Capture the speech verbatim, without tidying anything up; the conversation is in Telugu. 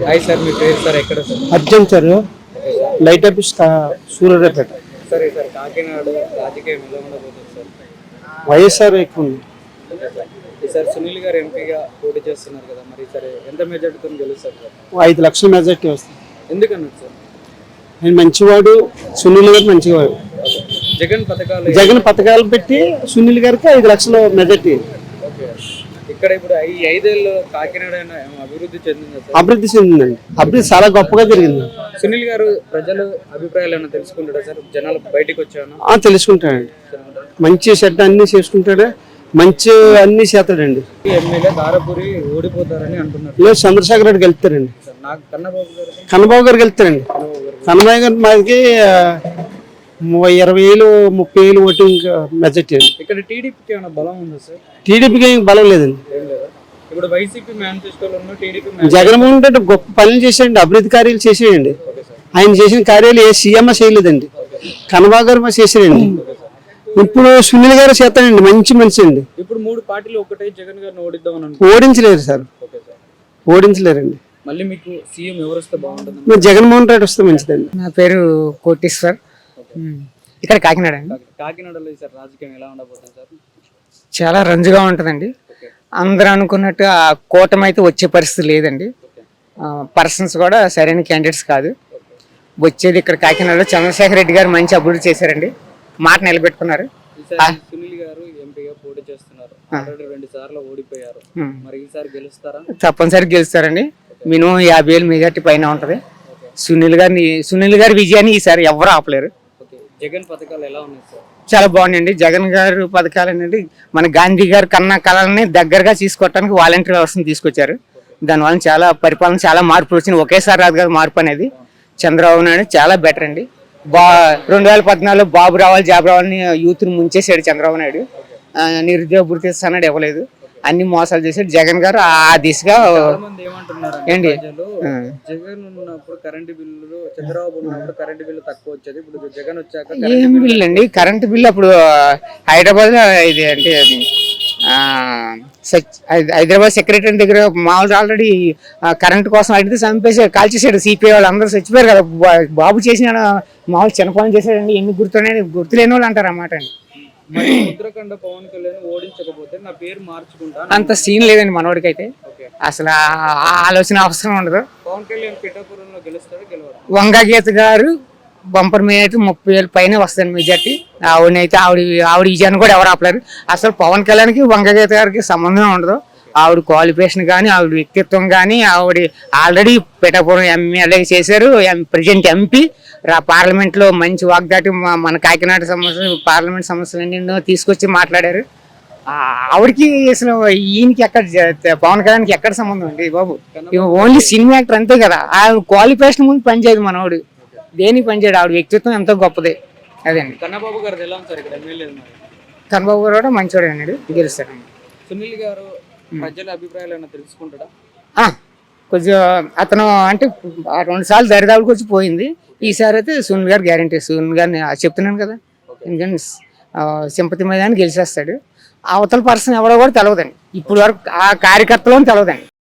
హాయ్ సార్, మీ పేరు సార్? ఎక్కడ sir? Arjun sir, light office Suryapet. సరే సార్, కాకినాడ రాజకీయం ఎలా ఉండబోతుంది సార్? వైఎస్ఆర్ ఎక్కువ ఉంది సార్. సునీల్ గారు ఎంపీగా పోటీ చేస్తున్నారు కదా, మరి సరే ఎంత మెజార్టీతో గెలుస్తారు సార్? ఐదు లక్షల మెజార్టీ వస్తుంది. ఎందుకన్నారు సార్? ఆయన మంచివాడు, సునీల్ గారు మంచివాడు. జగన్ పథకాలు జగన్ పథకాలు పెట్టి సునీల్ గారికి ఐదు లక్షల మెజార్టీ. ఇక్కడ ఇప్పుడు ఈ ఐదేళ్ళు కాకినాడ అభివృద్ధి చెందింది సార్? అభివృద్ధి చెందిందండి, అభివృద్ధి చాలా గొప్పగా జరిగింది. సునీల్ గారు ప్రజలు అభిప్రాయాలు ఏమైనా తెలుసుకుంటాడా సార్? జనాలు బయటకు వచ్చాను తెలుసుకుంటాడండి, మంచి చెడ్డ అన్ని చేసుకుంటాడు, మంచి అన్ని చేస్తాడండి. ఎమ్మెల్యే దారపురి ఓడిపోతారని అంటున్నారు. లేదు, చంద్రశేఖర్ రెడ్డి గెలుస్తారండి. నాకు కన్నబాబు గారు కన్నబాబు గారు గెలుస్తారండి. కన్నబాబు గారు మాకి ఇరవై వేలు ముప్పై వేలు ఓటింగ్ మెజార్టీ అండి. ఇక్కడ టీడీపీకి ఏమైనా బలం ఉందా సార్? టీడీపీకి ఏం బలం లేదండి. ఇప్పుడు వైసీపీ మేనిఫెస్టోలో ఉన్న టీడీపీ జగన్మోహన్ రెడ్డి గొప్ప పనులు చేసేయండి, అభివృద్ధి కార్యాలు చేసేయండి. ఆయన చేసిన కార్యాలు ఏ సీఎం చేయలేదండి, కన్నబాబు గారు చేసారండి. ఇప్పుడు సునీల్ గారు చేస్తానండి, మంచి మనిషి అండి. ఇప్పుడు మూడు పార్టీలు ఒకటే జగన్ గారిని ఓడిద్దామని ఓడించలేరు సార్, ఓడించలేరండి. మళ్ళీ మీకు సీఎం ఎవరు వస్తే బాగుంటుంది? మీరు జగన్మోహన్ రెడ్డి వస్తే మంచిదండి. నా పేరు కోటేశ్వర్, ఇక్కడ కాకినాడ. కాకినాడలో సార్ రాజకీయం ఎలా ఉండబోతుంది సార్? చాలా రంజుగా ఉంటుందండి. అందరూ అనుకున్నట్టు ఆ కూటమి అయితే వచ్చే పరిస్థితి లేదండి. పర్సన్స్ కూడా సరైన క్యాండిడేట్స్ కాదు. వచ్చేది ఇక్కడ కాకినాడలో చంద్రశేఖర్ రెడ్డి గారు మంచి అభివృద్ధి చేశారండి, మాట నిలబెట్టుకున్నారు. సునీల్ గారు ఎంపీగా పోటీ చేస్తున్నారు, రెండు సార్లు ఓడిపోయారు, మరి ఈసారి గెలుస్తారా? తప్పనిసరిగా గెలుస్తారండి. మినిమం యాభై వేలు మెజార్టీ పైన ఉంటది. సునీల్ గారిని సునీల్ గారి విజయాన్ని ఈసారి ఎవరు ఆపలేరు. జగన్ పథకాలు ఎలా ఉన్నాయి సార్? చాలా బాగున్నాయండి. జగన్ గారు పథకాలు అనేది మన గాంధీ గారు కన్నా కళల్ని దగ్గరగా తీసుకోవడానికి వాలంటీర్ వ్యవస్థను తీసుకొచ్చారు. దానివల్ల చాలా పరిపాలన చాలా మార్పు వచ్చింది. ఒకేసారి రాదు కదా మార్పు అనేది. చంద్రబాబు నాయుడు చాలా బెటర్ అండి. బా రెండు వేల పద్నాలుగులో బాబు రావాలి జాబ్ రావాలని యూత్ని ముంచేసాడు చంద్రబాబు నాయుడు. నిరుద్యోగ భృతి ఇస్తాడు, ఇవ్వలేదు. అన్ని మోసాలు చేశాడు. జగన్ గారు ఆ దిశగా ఏంటి జగన్ ఉన్నప్పుడు కరెంటు బిల్లు, చంద్రబాబు ఉన్నప్పుడు కరెంటు బిల్లు తక్కువ వచ్చేది, ఇప్పుడు జగన్ వచ్చాక ఏం బిల్లు అండి? కరెంటు బిల్లు అప్పుడు హైదరాబాద్ లో ఇది అంటే హైదరాబాద్ సెక్రటరీ దగ్గర మామూలు ఆల్రెడీ కరెంట్ కోసం అడిగితే చంపేసి కాల్చేసాడు. సిపిఐ వాళ్ళు అందరూ చచ్చిపోయారు కదా. బాబు చేసిన మామూలు చిన్నపాలన చేశాడండి. ఎన్ని గుర్తున్నాయి గుర్తులేని వాళ్ళు అంటారు అన్నమాట అండి. ఉత్తరాఖండ్ పవన్ కళ్యాణ్ ఓడించకపోతే నా పేరు మార్చుకుంటా అంత సీన్ లేదండి మనోడికి అయితే. అసలు ఆలోచన అవసరం ఉండదు. పవన్ కళ్యాణ్ పిఠాపురంలో గెలుస్తాడు, గెలవడు. వంగా గీత గారు బంపర్ మీద అయితే ముప్పై వేలు పైన వస్తుంది మెజార్టీ. ఆవిడనైతే ఆవిడ ఆవిడ విజయాన్ని కూడా ఎవరు ఆపలేరు. అసలు పవన్ కళ్యాణ్కి వంగా గీత గారికి సంబంధం ఉండదు. ఆవిడ క్వాలిఫికేషన్ కానీ, ఆవిడ వ్యక్తిత్వం కానీ, ఆవిడ ఆల్రెడీ పిఠాపురం ఎమ్మెల్యే చేశారు, ప్రజెంట్ ఎంపీ. పార్లమెంట్ లో మంచి వాగ్దాటి మన కాకినాడ సమస్యలు, పార్లమెంట్ సమస్యలన్నీ తీసుకొచ్చి మాట్లాడారు. ఆవిడకి అసలు ఈయనకి ఎక్కడ, పవన్ కళ్యాణ్కి ఎక్కడ సంబంధం అండి బాబు? ఓన్లీ సినిమా యాక్టర్ అంతే కదా. ఆ క్వాలిఫికేషన్ ముందు పనిచేయదు మనోడు, దేనికి పనిచేయడు. ఆవిడ వ్యక్తిత్వం ఎంతో గొప్పదే. అదండి. కన్నబాబు గారు ఎలా సార్ ఇక్కడ ఎమ్మెల్యే? కన్నబాబు గారు కూడా మంచివాడు అన్నాడు, గెలుస్తాడు. సునీల్ గారు ప్రజల అభిప్రాయాలు ఏమైనా తెలుసుకుంటాడా? కొంచెం అతను అంటే రెండు సార్లు దరిదాపులకు వచ్చి పోయింది. ఈసారి అయితే సునీల్ గారు గ్యారంటీ. సునీల్ గారిని చెప్తున్నాను కదా, ఎందుకంటే సింపతి మీద గెలిచేస్తాడు. అవతల పర్సన్ ఎవరో కూడా తెలవదండి ఇప్పుడు వరకు, ఆ కార్యకర్తలో తెలవదండి.